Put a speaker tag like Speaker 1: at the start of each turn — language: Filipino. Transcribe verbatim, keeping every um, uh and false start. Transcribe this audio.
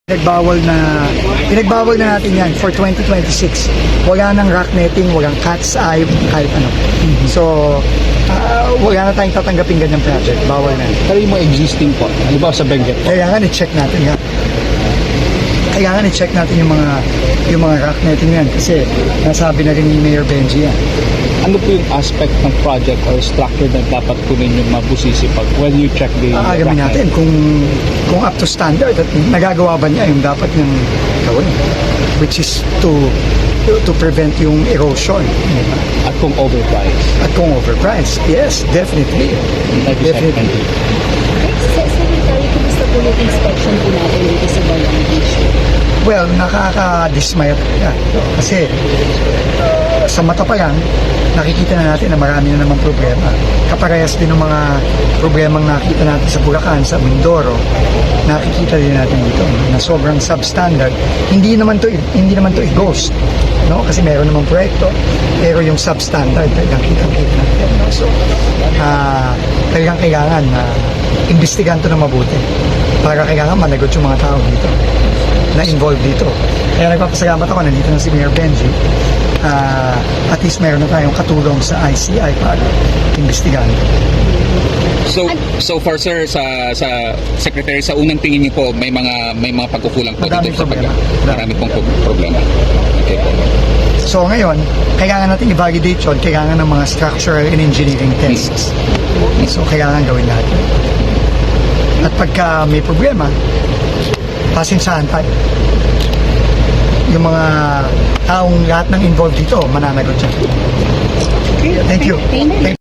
Speaker 1: Pinagbawal na, pinagbawal na natin yan for twenty twenty-six. Wala nang rock netting, walang cat's eye, kahit ano. So, uh, wala na tayong tatanggapin ganyang project. Bawal na.
Speaker 2: Pero yung mga existing po, halimbawa sa Benguet po,
Speaker 1: Kaya nga, i-check natin nga. Kaya nga, i-check natin yung mga, yung mga rock netting yan. Kasi, nasabi na rin ni Mayor Benji yan.
Speaker 2: ano po yung aspect ng project or structure na dapat po ninyong mabusisi pag when you check the...
Speaker 1: Aagamin natin kung, kung up to standard at nagagawa ba niya yung dapat niyang gawin. Which is to, to, to prevent yung erosion. Diba?
Speaker 2: At kung overpriced.
Speaker 1: At kung overpriced, yes, definitely.
Speaker 2: Thank you, sir. Thank you.
Speaker 3: Secretary, kumusta po yung inspection po natin dito sa Balang Beach?
Speaker 1: Well, nakaka-dismaya talaga. Kasi uh, sa mata pa yan, nakikita na natin na marami na namang problema. Kaparehas din ng mga problemang nakita natin sa Bulacan, sa Mindoro, nakikita din natin dito na sobrang substandard. Hindi naman to hindi naman to i-ghost, no? Kasi meron namang proyekto, pero yung substandard talagang kitang-kita natin, no? So, uh, talagang kailangan na uh, imbestigahan to na mabuti para kailangan managot yung mga tao dito na involved dito. Kaya nagpapasalamat ako, nandito na si Mayor Benji. Uh, at least meron na tayong katulong sa I C I para imbestigahan.
Speaker 4: So so far sir sa sa secretary sa unang tingin niyo po may mga may mga pagkukulang po
Speaker 1: Madaming
Speaker 4: dito sa pag
Speaker 1: problema.
Speaker 4: marami pong pro- problema. Okay po.
Speaker 1: So ngayon, kailangan natin i-validate yun, kailangan ng mga structural and engineering tests. So kailangan gawin natin. At pagka may problema, pasinsahan tayo. Yung mga taong lahat ng involved dito, mananagot siya. Thank you.
Speaker 3: Thank you.